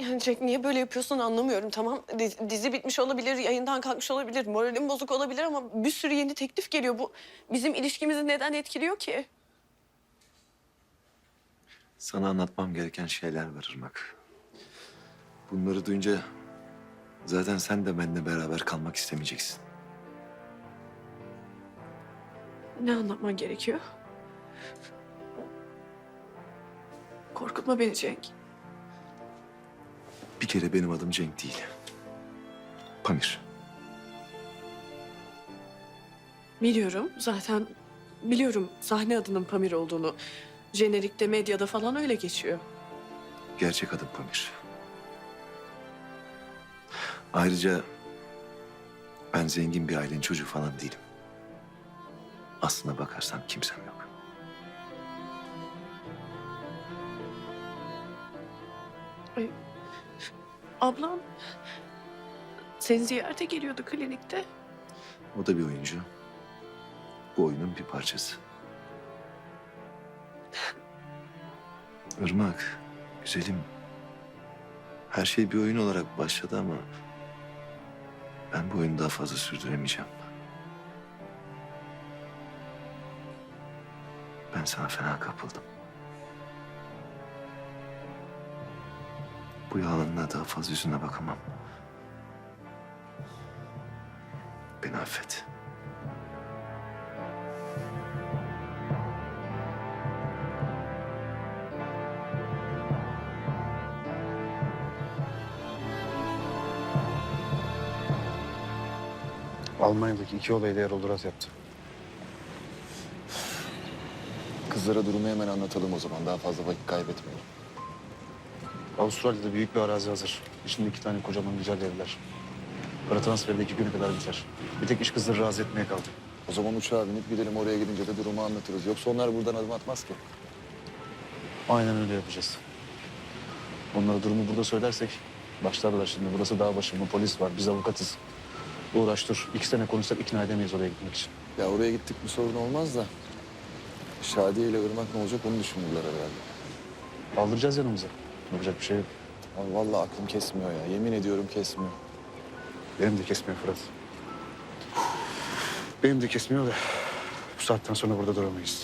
Yani Cenk niye böyle yapıyorsun anlamıyorum, tamam. Dizi bitmiş olabilir, yayından kalkmış olabilir, moralim bozuk olabilir ama bir sürü yeni teklif geliyor. Bu bizim ilişkimizi neden etkiliyor ki? Sana anlatmam gereken şeyler var Irmak. Bunları duyunca zaten sen de benimle beraber kalmak istemeyeceksin. Ne anlatman gerekiyor? Korkutma beni Cenk. Bir kere benim adım Cenk değil. Pamir. Biliyorum zaten, biliyorum sahne adının Pamir olduğunu. Jenerikte, medyada falan öyle geçiyor. Gerçek adım Pamir. Ayrıca ben zengin bir ailenin çocuğu falan değilim. Aslına bakarsan kimsem yok. Ay, ablam seni ziyarete geliyordu klinikte. O da bir oyuncu. Bu oyunun bir parçası. Irmak, güzelim. Her şey bir oyun olarak başladı ama ben bu oyunu daha fazla sürdüremeyeceğim. Ben sana fena kapıldım. Bu yalanına daha fazla yüzüne bakamam. Beni affet. Almanya'daki 2 olayı da Erol Duras yaptı. Kızlara durumu hemen anlatalım o zaman. Daha fazla vakit kaybetmeyelim. Avustralya'da büyük bir arazi hazır. İçinde 2 tane kocaman güzel evler. Para transferi de 2 güne kadar biter. Bir tek iş kızları razı etmeye kaldı. O zaman uçağa binip gidelim, oraya gidince de durumu anlatırız. Yoksa onlar buradan adım atmaz ki. Aynen öyle yapacağız. Onlara durumu burada söylersek başlarlar şimdi. Burası dağ başı mı, polis var, biz avukatız. Uğraş dur. 2 sene konuşsak ikna edemeyiz oraya gitmek için. Ya oraya gittik bir sorun olmaz da. Şadiye ile Irmak ne olacak onu düşünürler herhalde. Aldıracağız yanımıza. Yapacak bir şey yok. Abi vallahi aklım kesmiyor ya. Yemin ediyorum kesmiyor. Benim de kesmiyor Fırat. Benim de kesmiyor da bu saatten sonra burada duramayız.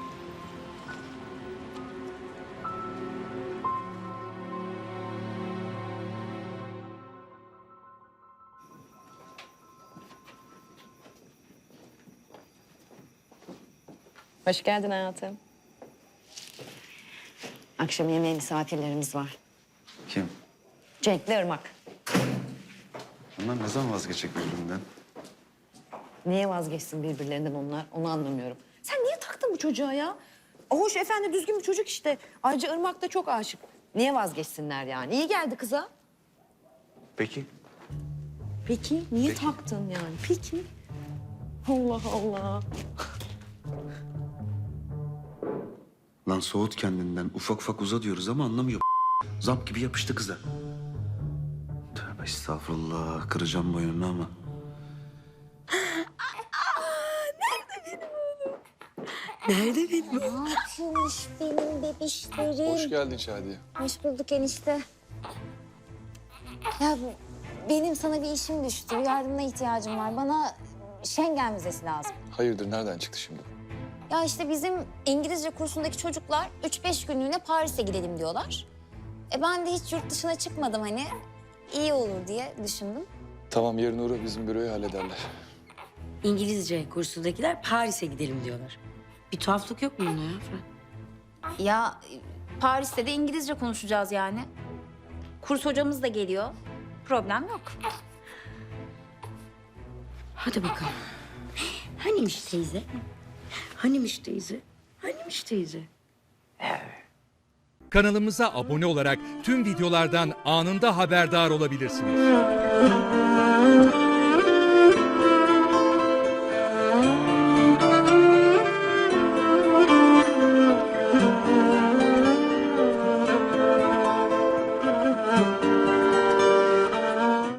Hoş geldin hayatım. Akşam yemeğe misafirlerimiz var. Kim? Cenk'le Irmak. Onlar ne zaman vazgeçecek birbirinden? Niye vazgeçsin birbirlerinden onlar? Onu anlamıyorum. Sen niye taktın bu çocuğa ya? Hoş efendi düzgün bir çocuk işte. Ayrıca Irmak da çok aşık. Niye vazgeçsinler yani? İyi geldi kıza. Peki. Peki niye taktın yani? Peki. Allah Allah. Lan soğut kendinden. Ufak ufak uza diyoruz ama anlamıyor. Zamp gibi yapıştı kıza. Tövbe estağfurullah. Kıracağım boynunu ama. Nerede benim? Ne yapıyormuş benim bebişlerim? Hoş geldin Şadiye. Hoş bulduk enişte. Ya benim sana bir işim düştü. Yardımına ihtiyacım var. Bana Schengen vizesi lazım. Hayırdır, nereden çıktı şimdi? Ya işte bizim İngilizce kursundaki çocuklar 3-5 günlüğüne Paris'e gidelim diyorlar. Ben de hiç yurt dışına çıkmadım hani. İyi olur diye düşündüm. Tamam, yarın uğra bizim büroyu hallederler. İngilizce kursundakiler Paris'e gidelim diyorlar. Bir tuhaflık yok mu bunda ya Fırat? Ya Paris'te de İngilizce konuşacağız yani. Kurs hocamız da geliyor. Problem yok. Hadi bakalım. Hanimiş teyze? Hanimiş teyze? Hanimiş teyze? Kanalımıza abone olarak tüm videolardan anında haberdar olabilirsiniz.